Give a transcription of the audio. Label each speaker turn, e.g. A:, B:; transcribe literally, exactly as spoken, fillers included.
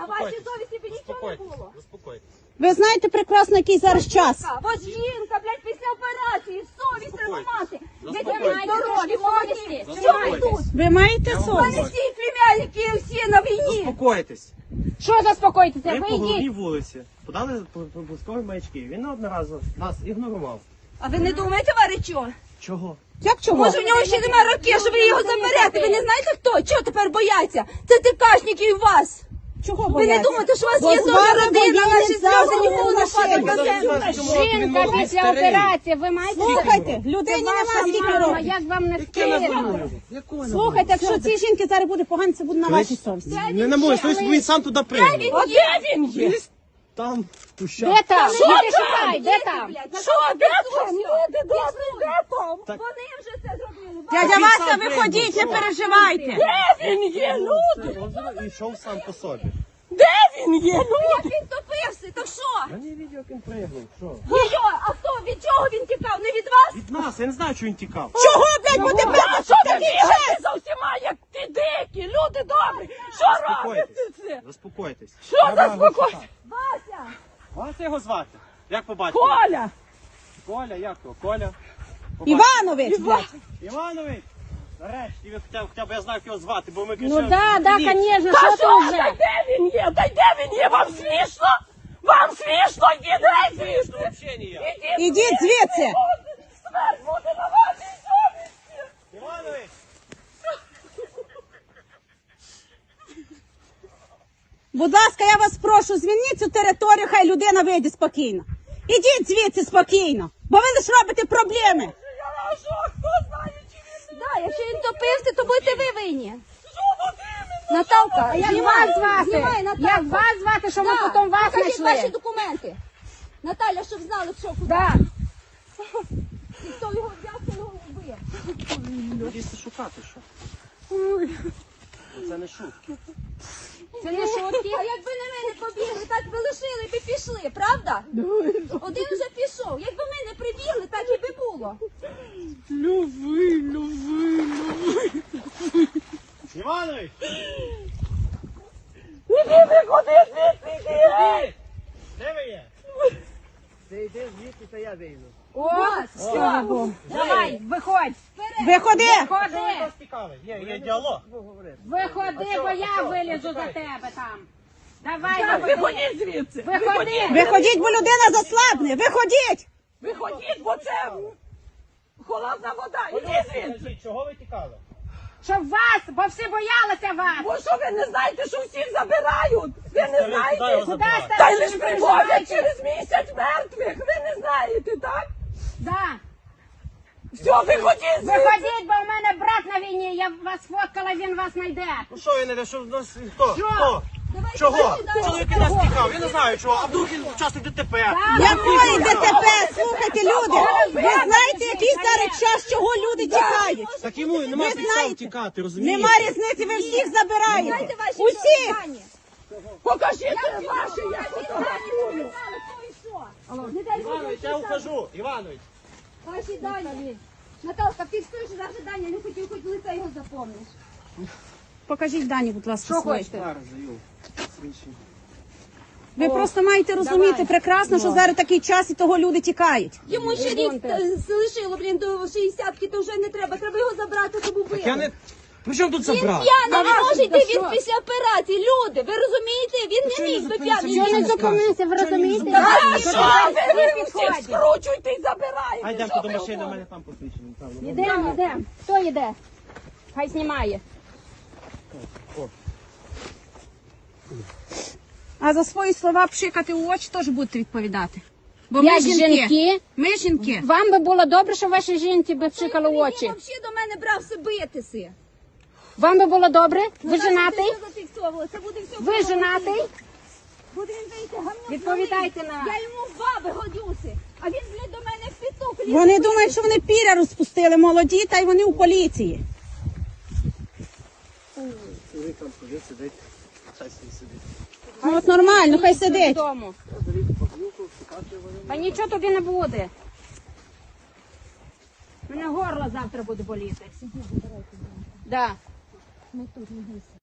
A: вашій совісті б нічого не було.
B: Ви знаєте прекрасно, який зараз час.
A: Ось жінка, блядь, після операції, совість треба мати. Ви такі здорові, молоді. Що ви тут?
B: Ви маєте
A: У мене
B: совість?
A: всі племянники, всі на війні.
C: Заспокойтесь.
D: Що заспокойтеся?
C: Ви
D: Ви
C: по головній
D: йдіть.
C: вулиці подали пропускові маячки. Він одноразово нас ігнорував.
A: А ви не думаєте, Варичо?
C: Чого?
B: Як чого?
A: Може, в нього ще немає років, що ви його заберете? Ви не знаєте хто? Чого тепер бояться? Це ТКшники і вас.
B: Чого
A: Ви
B: бояться?
A: не думаєте, що у вас
B: Бо
A: є
B: з
A: зовсім
B: вами
A: родина,
B: воюють
A: наші сльози
B: завжди
A: ніколи не
B: в
A: падають на
B: машині.
A: землю.
D: Жінка після операції, ви маєте...
B: Слухайте, людині
D: Це
B: нема
D: ваша
B: скільки
D: мама,
B: років.
D: як вам не
C: Яке на
D: стидно?
C: війну? Якого на
B: Слухайте, якщо цій жінки зараз буде погано, це буде на вашій совісті.
C: Не на мою совість, бо він сам туди прийняв.
A: Де він є?
C: Там, в кущах.
D: Де там?
A: Що
D: Іди
A: там?
D: шукай, де там?
A: Що, де там? Люди добрі, де там? Вони вже це зробили.
B: Дядя
C: Він
B: Вася,
C: сам
B: виходіть, не
C: прийняв.
B: переживайте.
A: Він є, люди!
C: І йшов сам по собі.
A: Де він є, люди? Як він топився, то що?
C: Я не бачив, як він пригнув. Що?
A: Йо, а хто, від чого він тікав? Не від вас?
C: Від нас, я не знаю, чого він тікав.
B: Чого, блядь, бо тебе
A: А що ти бігаєте за всіма, як ти дикі, люди добрі? Що робите це?
C: Заспокойтесь.
A: Що
C: Треба його
A: заспокойтесь?
C: шукати.
A: Вася!
C: Вас його звати? Як по батьку?
A: Коля!
C: Коля, як його? Коля? По батьку.
B: Іванович, блядь.
C: Іванович! Нарешті, ви хоча, хоча б я знаю, як його звати, бо ми
D: Ну
C: кричали.
D: да, да,
C: «Ні».
D: конечно,
A: Та
D: що
A: що,
D: ти вже?
A: та де він є? Та де він є? Вам смішно? Вам смішно? Ідіть смішно!
C: Взагалі ніяк.
B: Ідіть звідси.
A: Смерть буде на вашій совісті!
C: Іванович!
B: Будь ласка, я вас прошу, звільніть цю територію, хай людина вийде спокійно. Ідіть звідси спокійно, бо ви лише робите проблеми.
A: Я на що? Хто знає, чи він не... Да, якщо він топився, то будете ви винні. Що от іменно? Наталка,
D: А як
A: знімай,
D: вас звати?
A: знімай, Наталка.
D: Як вас звати, що ми
A: Да,
D: потім вас
A: покажіть
D: знайшли?
A: ваші документи. Наталя, щоб знали, що куди.
D: Да.
A: І хто його взяв, хто його вбив.
C: Будете шукати, що? Це не шутки.
D: Це не шутки.
A: А якби не ми не побігли, так би лишили і пішли, правда? Один вже пішов. Якби ми не прибігли, так і би було.
C: Іванович!
A: Іди, виходи звідси, іди!
C: Де ви є? Ти йди звідси, та я вийду.
D: О,
A: Все.
D: давай, виходь.
B: Виходи.
D: Виходи.
C: Вас цікавить? Є, є діалог.
D: Виходи, бо я вилізу за тебе там. Давай,
A: Так,
D: виходи.
A: виходіть звідси.
D: Виходи.
B: Виходіть, бо людина заслабне. Виходіть.
A: Виходіть, бо це холодна вода. Іди звідси.
C: Чого ви тікали?
D: Щоб вас, бо всі боялися вас.
A: Бо що ви не знаєте, що всіх забирають? Ви не знаєте?
D: Куди ж
A: Та й
D: ти
A: лиш привозять через місяць мертвих. Ви не знаєте, так?
D: Да.
A: Все, виходіть звідси.
D: Виходіть, бо в мене брат на війні, я вас фоткала, він вас знайде.
C: Ну що ви не де, що в нас, хто?
D: Що?
C: Хто?
A: Давайте
C: Чого?
A: далі, далі.
C: Чоловіки нас тікав, я не знаю чого, а вдруг він учасник ДТП.
B: Якої ДТП? Слухайте, люди. Ви знаєте, який зараз час, чого люди тікають?
C: Так йому нема
B: Ви
C: підстав
B: знаєте?
C: тікати, розумієте?
B: Нема різниці, ви всіх забираєте.
A: Дайте ваші
B: Усіх.
A: дані. Покажіть ваші, я фотографую. Не дай Боже,
C: Іванович, я ухожу, Іванович.
A: ваші дані. Наталка, фіксуєш завжди дані, не хотів, хоч лице його запомниш.
B: Покажіть дані, будь ласка,
D: Що
B: свої.
D: хочете?
C: Зараз даю. Свідчення.
B: Ви просто маєте розуміти прекрасно, що зараз такий час і того люди тікають.
A: Йому ще рік е, залишило, блін, до шістдесятки, то вже не треба. Треба його забрати, щоб убили.
C: Я не... При чому тут
A: Він
C: забрав?
A: п'яний, не може йти,
D: Та
A: він
D: що?
A: після операції. Люди, ви розумієте? Він
C: що
A: не
C: він
A: міг би
C: зупинився?
A: п'яний.
C: Чого
D: Що
C: не
D: не зупинився, ви розумієте?
A: Та
D: Що
A: що
D: ти
A: ви
D: не
A: всіх
D: підходиш?
A: скручуйте і забираєте?
C: А йдемо
A: Що
C: до
A: ви
C: машини, у
A: говорите?
C: мене там посвідчення. Там, ну,
D: Йдемо, йдемо. Хто йде? Хай знімає.
B: А за свої слова пшикати у очі теж будете відповідати. Бо
D: Як жінки,
B: Ми жінки.
D: вам би було добре, що ваші жінки би пшикали в
A: Він
D: очі.
A: взагалі до мене брався битися.
D: Вам би було добре? Ви
A: Наташа,
D: женатий?
A: ти все зафіксовувала, це буде все.
D: Ви женатий?
A: Буде він вийти гамнюк.
D: Відповідайте
A: малий.
D: на-
A: Я йому в баби годюся. А він, блядь, до мене в піток лізе.
B: Вони думають, що вони піря розпустили молоді, та й вони у поліції.
C: Чоловік там ходить, сидить. Хай собі сидить.
B: Ну от нормально, хай сидить.
D: Додому. Та нічого тобі не буде. Мене горло завтра буде боліти. Да.